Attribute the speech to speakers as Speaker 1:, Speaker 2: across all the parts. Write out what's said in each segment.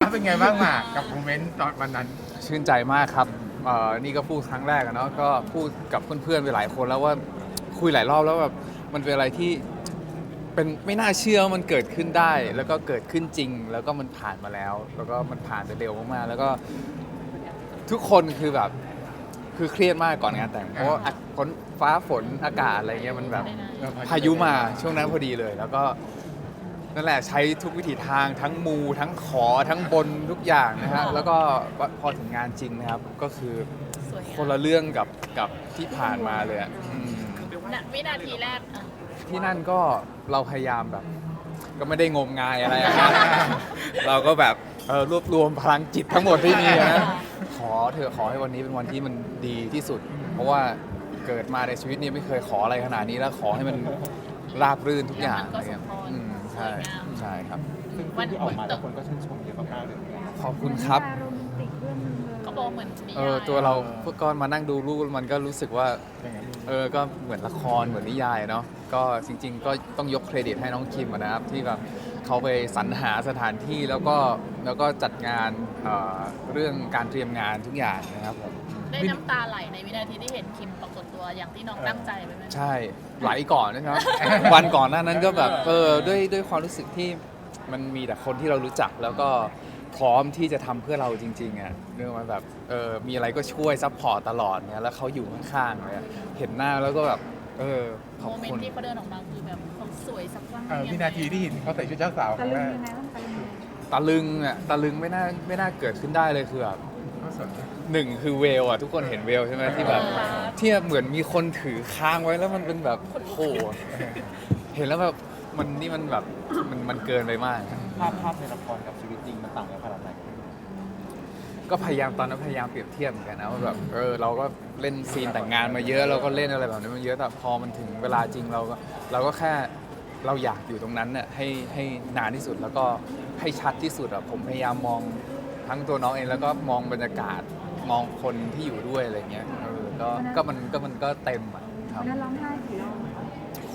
Speaker 1: เป็นไงบ้างมากับโมเมนต์ตอนวันนั้น
Speaker 2: ชื่นใจมากครับนี่ก็พูดครั้งแรกอะเนาะก็พูดกับเพื่อนๆไปหลายคนแล้วว่าคุยหลายรอบแล้วแบบมันเป็นอะไรที่เป็นไม่น่าเชื่อว่ามันเกิดขึ้นได้ แล้วก็เกิดขึ้นจริง แล้วก็มันผ่านมาแล้ว แล้วก็มันผ่านไปเร็วมากๆแล้วก็ทุกคนคือแบบคือเครียดมากก่อนงานแต่งเพราะว่าฝนฟ้าฝนอากาศอะไรเงี้ยมันแบบพายุมาช่วงนั้นพอดีเลย แล้วก็นั่นแหละใช้ทุกวิถีทางทั้งมูทั้งขอทั้งบนทุกอย่างนะฮะแล้วก็พอถึงงานจริงนะครับก็คือคนละเรื่องกับที่ผ่านมาเลยอะ
Speaker 3: วินาทีแรก
Speaker 2: ที่นั่นก็เราพยายามแบบก็ไม่ได้งมงายอะไรอะเราก็แบบรวบรวมพลังจิตทั้งหมดที่มีนะขอเถอะขอให้วันนี้เป็นวันที่มันดีที่สุด เพราะว่าเกิดมาในชีวิตนี้ไม่เคยขออะไรขนาดนี้แล้วขอให้มันราบรื่นทุกอย่างอะไรเงี้ยใช่ใช่ครับ
Speaker 1: ซึ่งที่ออกมาแล้วคนก็ชื่นชมเยอะมากๆเลย
Speaker 2: ขอบคุณครับ
Speaker 3: เขาบอกเหมือน
Speaker 2: ตัวเราพวกก้อนมานั่งดูรูปมันก็รู้สึกว่าก็เหมือนละครเหมือนนิยายเนาะก็จริงๆก็ต้องยกเครดิตให้น้องคิมนะครับที่แบบเขาไปสรรหาสถานที่แล้วก็จัดงานเรื่องการเตรียมงานทุกอย่างนะครับผม
Speaker 3: ได้น้ำตาไหลในวินาทีที่เห็นคิมปรากฏตัวอย่างที่น้องตั้งใจไว้ไหม
Speaker 2: ใช่ไหลก่อนนะครับ วันก่อนหน้านั้นก็แบบด้วยความรู้สึกที่มันมีแต่คนที่เรารู้จักแล้วก็พร้อมที่จะทำเพื่อเราจริงๆอ่ะเรื่องมันแบบมีอะไรก็ช่วยซัพพอร์ตตลอดเนี่ยแล้วเขาอยู่ข้างๆเลยเห็นหน้าแล้วก็แบบขอบ
Speaker 3: โมเมน
Speaker 2: คุณ
Speaker 3: ต์ที่เขาเดินออกมาคือแบบเขาสวยสักครั้ง
Speaker 1: วินาทีที่เห็นเขาใส่ชุดเจ้าสาวครั้งแรก
Speaker 2: ตะลึงอ่ะตะลึงไม่น่าเกิดขึ้นได้เลยคือแบบหนึ่งคือเวลอ่ะทุกคนเห็นเวลใช่ไหมที่แบบที่เหมือนมีคนถือค้างไว้แล้วมันเป็นแบบโอ้เห็นแล้วแบบมันแบบมันเกินไปมาก
Speaker 1: ภาพในละครกับชีวิตจริงมันต่างกันขนาดไหน
Speaker 2: ก็พยายามตอนนั้นพยายามเปรียบเทียบเหมือนกันนะว่าแบบเราก็เล่นซีนแต่งงานมาเยอะเราก็เล่นอะไรแบบนี้มาเยอะแต่พอมันถึงเวลาจริงเราก็แค่เราอยากอยู่ตรงนั้นน่ะให้นานที่สุดแล้วก็ให้ชัดที่สุดอ่ะผมพยายามมองทั้งตัวน้องเองแล้วก็มองบรรยากาศมองคนที่อยู่ด้วยอะไรเงี้ยมันก็เต็มอ่ะครับ
Speaker 4: ร้องไห้กี่รอบ
Speaker 2: โห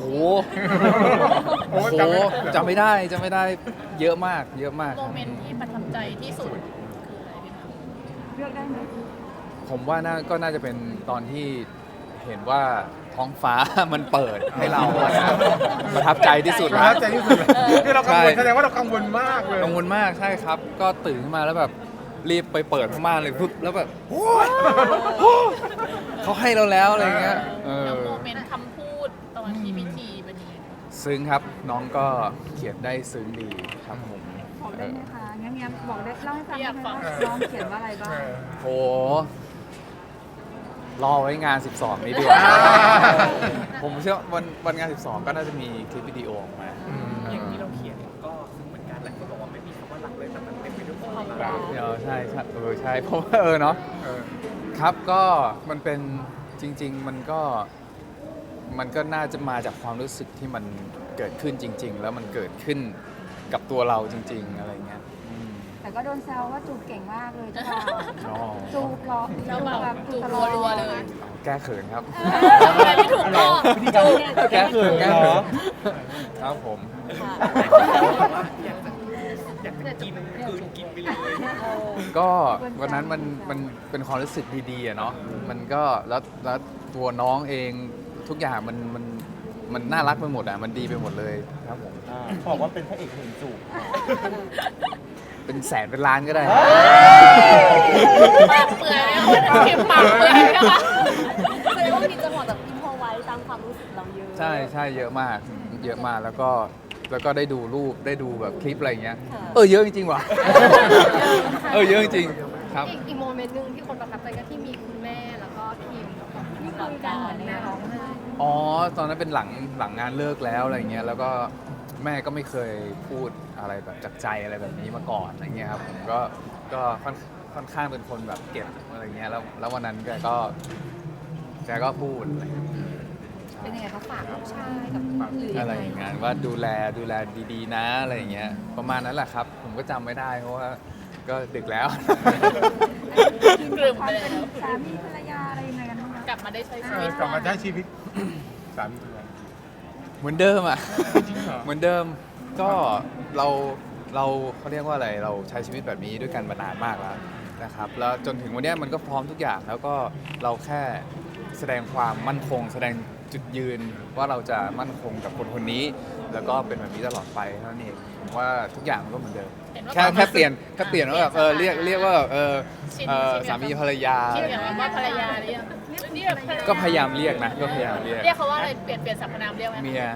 Speaker 2: จำไม่ได้เยอะมาก
Speaker 3: โมเมนต์ที่ประทับใจที่สุดคืออะไรพี่คะ
Speaker 4: เลือกได้ไหม
Speaker 2: ผมว่าก็น่าจะเป็นตอนที่เห็นว่าท้องฟ้ามันเปิดให้เราประทับใจที่สุด
Speaker 1: ประทับใจที่สุดคือเรากังวลแสดงว่าเรากังวลมากเลย
Speaker 2: กังวลมากใช่ครับก็ตื่นขึ้นมาแล้วแบบรีบไปเปิดม่านเลยปุ๊บแล้วแบบเขาให้เราแล้วอะไรเงี้ย
Speaker 3: แล้วโมเมนต์คำพูดตอนที่พิธีเป็นยังไง
Speaker 2: ซึ้งครับน้องก็เขียนได้ซึ้งดีครับผม
Speaker 4: บอกได้ไหมคะงั้นบอกได้เล่าให้ฟังได้ไหมว่าน้องเขียนว่าอะไรบ้าง
Speaker 2: โหรอไว้งาน 12 นี้ดีกว่าผมเชื่อวันงาน 12 ก็น่าจะมีคลิปวิดีโอออกมา
Speaker 5: อย่างที่เราเขียนก็ซึ้งเหมือนกันหลายคนบอกว่าไม่มีคำว่ารักเลยแต่มันเต็มไปด้วยความรัก
Speaker 2: ใช่ใช่เพราะว่าเนาะครับก็มันเป็นจริงๆมันก็น่าจะมาจากความรู้สึกที่มันเกิดขึ้นจริงๆแล้วมันเกิดขึ้นกับตัวเราจริงๆอะไรเงี้ย
Speaker 4: แต่ก็โดนแซวว่าจูบเก่งมากเลยจ้าจูบ
Speaker 3: แบบจูบรัวเลย
Speaker 2: แก้เขินครับ
Speaker 3: ไม่ถูกต้อง
Speaker 2: แก้เขินครับผม
Speaker 5: อยากจะกินกินไปเลย
Speaker 2: ก็วันนั้นมันเป็นความรู้สึกดีๆอะเนาะมันก็แล้วตัวน้องเองทุกอย่างมันน่ารักไปหมดอ่ะมันดีไปหมดเลยครับผม
Speaker 1: บอกว่าเป็นพระเอกหนึ่งจูบ
Speaker 2: เป็นแสนเป็นล้านก็ได้
Speaker 3: ปากเปื่อยเนี่ยคิมปากเปื่อยนะคะ
Speaker 4: แสดงว่ามีจังหวะแบบอินพอไว้ตามความรู้สึกเราเยอะ
Speaker 2: ใช่เยอะมากแล้วก็ได้ดูรูปได้ดูแบบคลิปอะไรเงี้ยเยอะจริงๆว่ะเยอะจริงๆครับ
Speaker 4: อีกโมเมนต์นึงที่คนประทับใจก็ที่มีคุณแม่แล้วก็ทีมที่คุยกันเหมือนแม่ร้องไห้
Speaker 2: ตอนนั้นเป็นหลังงานเลิกแล้วอะไรเงี้ยแล้วก็แม่ก็ไม่เคยพูดอะไรแบบจากใจอะไรแบบนี้มาก่อนอะไรเงี้ยครับผมก็ค่อนข้างเป็นคนแบบเก็บอะไรเงี้ยแล้ววันนั้นแกก็พูดอะไร
Speaker 4: เป็นยังไงเขาฝากลูกชายกับ
Speaker 2: อะไรอย่างเงี้ยว่าดูแลดีๆนะอะไรอย่างเงี้ยประมาณนั้นแหละครับผมก็จำไม่ได้เพราะว่าก็ดึกแล้ว
Speaker 3: กลืมไปแล้ว
Speaker 4: สามีภรรยาอะไรยังไงกันบ้าง
Speaker 3: กลับมาได้ใช้ชีวิต
Speaker 1: สามี
Speaker 2: เหมือนเดิมอ่ะเหมือนเดิมก็เราเขาเรียกว่าอะไรเราใช้ชีวิตแบบนี้ด้วยกันมานานมากแล้วนะครับแล้วจนถึงวันเนี้ยมันก็พร้อมทุกอย่างแล้วก็เราแค่แสดงความมั่นคง แสดงจุดยืนว่าเราจะมั่นคงกับคนคนนี้ แล้วก็เป็นแบบนี้ตลอดไปเท่านั้นเองผมว่าทุกอย่างมันก็เหมือนเดิม
Speaker 3: เห็นว่า
Speaker 2: แค่เปลี่ยนว่าแบบเรียกว่าแบบ
Speaker 3: ชิน
Speaker 2: สามีภรรยา
Speaker 3: คิดอย่างว่าภรรยาหรือยังเรียกภรรยา
Speaker 2: ก็พยายามเรียกนะก็พยายามเรียก
Speaker 3: เรียกเขาว่าอะไรเปลี่ยนสรรพนามเรียกไหม
Speaker 2: เมีย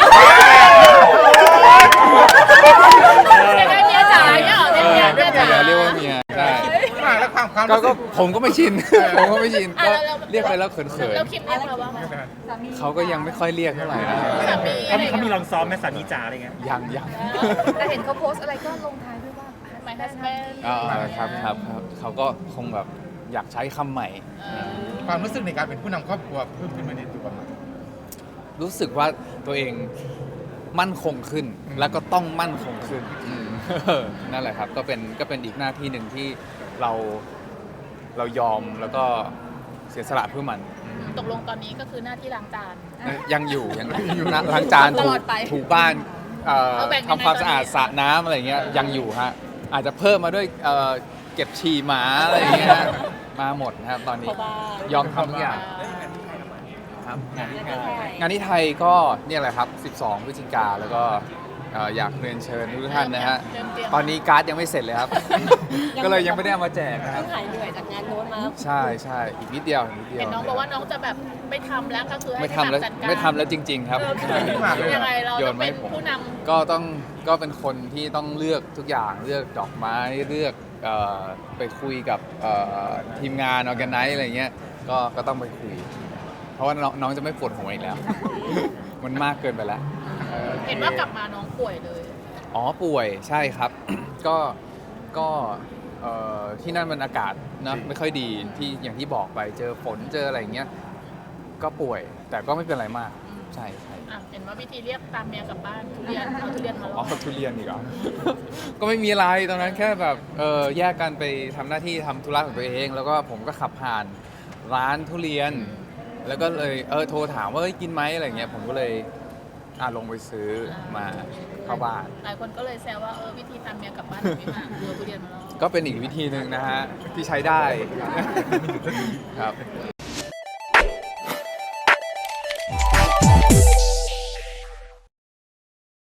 Speaker 3: จะได้เมียจ๋าเนี่ยเหรอเรียกเมียจ๋า
Speaker 2: เรียกว่าเมียได้
Speaker 1: แล้วความ
Speaker 2: ก็
Speaker 1: รู้สึก
Speaker 2: ผมก็ไม่ชิน ผมก็ไม่ชินก็เรียกไปแล้วเขิน
Speaker 3: แล้วคิมเรียกเราว่าไง
Speaker 2: ๆเขาก็ยังไม่ค่อยเรียกเท่าไหร่นะ
Speaker 3: สามี
Speaker 5: เขามีลองซ้อมไหมสามีจ๋าอะไรเงี้ย
Speaker 2: ยัง
Speaker 4: แต่เห็นเขาโพสต์อะไรก็ลงท้ายด้วยว่า
Speaker 3: My husband
Speaker 2: ครับเขาก็คงแบบอยากใช้คำใหม่
Speaker 1: ความรู้สึกในการเป็นผู้นำครอบครัวเพิ่มขึ้นมาในตัวมัน
Speaker 2: รู้สึกว่าตัวเองมั่นคงขึ้น แล้วก็ต้องมั่นคงขึ้นนั่นแหละครับก็เป็นอีกหน้าที่หนึ่งที่เรายอมแล้วก็เสียสละเพื่อมัน
Speaker 3: ตกลงตอนนี้ก็คือหน้าที่ล้างจาน
Speaker 2: ยังอยู่ล้างจาน
Speaker 4: ตลอดไป
Speaker 2: ถูบ้าน
Speaker 3: เอาแบ่งยังไง
Speaker 2: ทำความสะอาด
Speaker 3: ตอนนี้
Speaker 2: สระน้ำอะไรเงี้ยยังอยู่ฮะอาจจะเพิ่มมาด้วยเก็บฉี่หมาอะไรเงี้ยมาหมดนะครับตอนนี้ยอมทำทุกอย่างครับงานที่ไทยก็เนี่ยแหละครับ 12 พฤศจิกาแล้วก็อยากเรียนเชิญทุกท่านนะฮะตอนนี้การ์ดยังไม่เสร็จเลยครับ ก็เลยยังไม่ได้เอามาแจกนะครับ
Speaker 4: เพิ่งหายเหนื่อยจากงานโน้นมา
Speaker 2: ใช่อีกนิดเดียว
Speaker 3: เห็นน้องบอกว่าน้องจะแบบไม่ทำแล้วก็คือให้
Speaker 2: ไม่ทำแล้ว
Speaker 3: จัดการ
Speaker 2: ไม่ทำแล้วจริง ๆ ครับ
Speaker 3: ยังไงเรา
Speaker 2: โย
Speaker 3: จะ
Speaker 2: นมา
Speaker 3: เป็
Speaker 2: ให้
Speaker 3: น
Speaker 2: ผม
Speaker 3: ผู้น
Speaker 2: ก็เป็นคนที่ต้องเลือกทุกอย่างเลือกดอกไม้เลือกไปคุยกับทีมงานออแกไนซ์อะไรเงี้ยก็ต้องไปคุย เพราะว่าน้องจะไม่ปวดหัวอีกแล้ว มันมากเกินไปแล้ว
Speaker 3: ำเห็นว่ากลับมาน้องป่วยเลย
Speaker 2: อ๋อป่วยใช่ครับ ก็ที่นั่นมันอากาศนะไม่ค่อยดีที่อย่างที่บอกไปเจอฝนเจออะไรอย่างเงี้ยก็ป่วยแต่ก็ไม่เป็นไรมากใช่
Speaker 3: อ่ะเห็นว่าวิธีเรียกตามเมียกลับบ้านทุเรียนเอาทุเรียนมาล
Speaker 2: อ๋
Speaker 3: อ
Speaker 2: อง ทุเรียนอีกเหรอ ก็ไม่มีอะไรตอนนั้นแค่แบบแยกกันไปทำหน้าที่ทำธุระของตัวเอง แล้วก็ผมก็ขับผ่านร้านทุเรียน แล้วก็เลยโทรถามว่าเอ้ยกินไหมอะไรเงี้ยผมก็เลยลงไปซื้อมาเข้าบ้าน
Speaker 3: หลายคนก็เลยแซวว่าวิธีตามเมียกลับบ้านพี่หมากคือเอาทุเรียนมาลอง
Speaker 2: ก็เป็นอีกวิธีหนึ่งนะฮะ ที่ใช้ได้ครับ